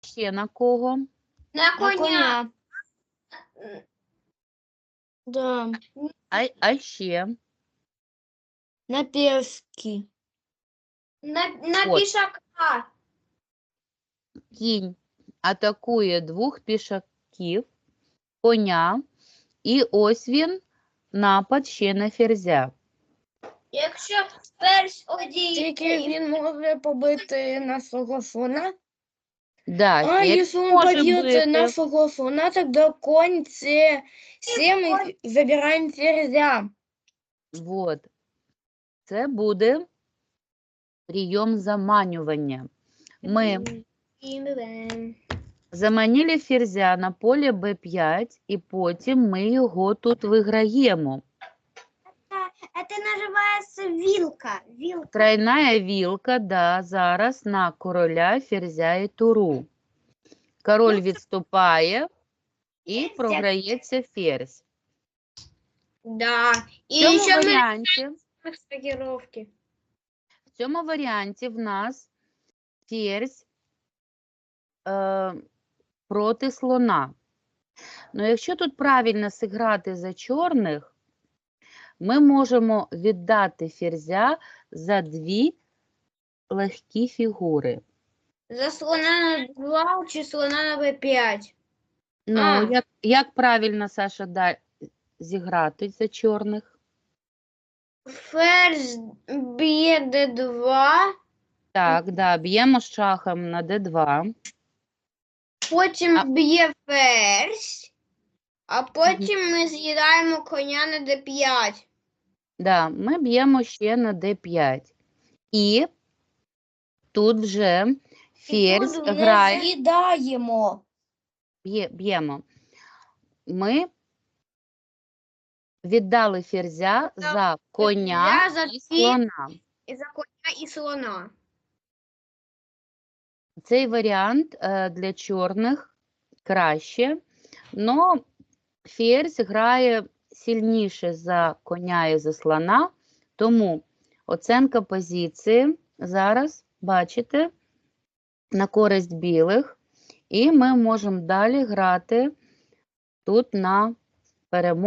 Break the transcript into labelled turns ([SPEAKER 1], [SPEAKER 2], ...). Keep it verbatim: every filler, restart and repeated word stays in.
[SPEAKER 1] Ще на кого?
[SPEAKER 2] На
[SPEAKER 3] На
[SPEAKER 2] коня.
[SPEAKER 3] коня. Да.
[SPEAKER 1] А, а ще?
[SPEAKER 3] На пешки.
[SPEAKER 2] На, на
[SPEAKER 1] От.
[SPEAKER 2] пішака.
[SPEAKER 1] Кінь атакує двох пішаків, коня, і ось він, напад ще на ферзя.
[SPEAKER 2] Якщо ферзь одій...
[SPEAKER 3] Тільки він може побити нашого слона.
[SPEAKER 1] Да,
[SPEAKER 3] А
[SPEAKER 1] ферзь
[SPEAKER 3] если он
[SPEAKER 1] може
[SPEAKER 3] побьет
[SPEAKER 1] бити.
[SPEAKER 3] нашего слона, тогда конь це семь и забираем ферзя.
[SPEAKER 1] Вот. Це буде прийом заманювання. Ми заманили ферзя на поле Б п'ять, і потім ми його тут виграємо.
[SPEAKER 2] Це називається вілка. Вілка.
[SPEAKER 1] Тройная вілка, да, зараз на короля, ферзя і туру. Король відступає і програється ферзь.
[SPEAKER 2] Да.
[SPEAKER 1] В
[SPEAKER 2] І
[SPEAKER 1] цьому
[SPEAKER 2] ще ми
[SPEAKER 1] варіанті,
[SPEAKER 2] стагіровки.
[SPEAKER 1] в цьому варіанті в нас ферзь е, проти слона. Ну, якщо тут правильно зіграти за чорних, ми можемо віддати ферзя за дві легкі фігури.
[SPEAKER 2] За слона на два чи слона на Б п'ять.
[SPEAKER 1] Ну,
[SPEAKER 2] А.
[SPEAKER 1] як, як правильно, Саша, да, зіграти за чорних?
[SPEAKER 2] Ферзь б'є Д два,
[SPEAKER 1] Так, да, б'ємо шахом на Д два.
[SPEAKER 2] потім
[SPEAKER 1] А.
[SPEAKER 2] б'є ферзь, а потім ми з'їдаємо коня на Д п'ять.
[SPEAKER 1] Да, ми б'ємо ще на Д п'ять. І тут вже ферзь
[SPEAKER 2] тут вже
[SPEAKER 1] грає,
[SPEAKER 3] З'їдаємо.
[SPEAKER 1] б'є- б'ємо. Ми віддали ферзя за коня
[SPEAKER 2] ферзя за
[SPEAKER 1] і
[SPEAKER 2] дві-
[SPEAKER 1] слона.
[SPEAKER 2] І за коня і слона.
[SPEAKER 1] Цей варіант е, для чорних краще, але ферзь грає сильніше за коня і за слона, тому оцінка позиції зараз, бачите, на користь білих, і ми можемо далі грати тут на перемогу.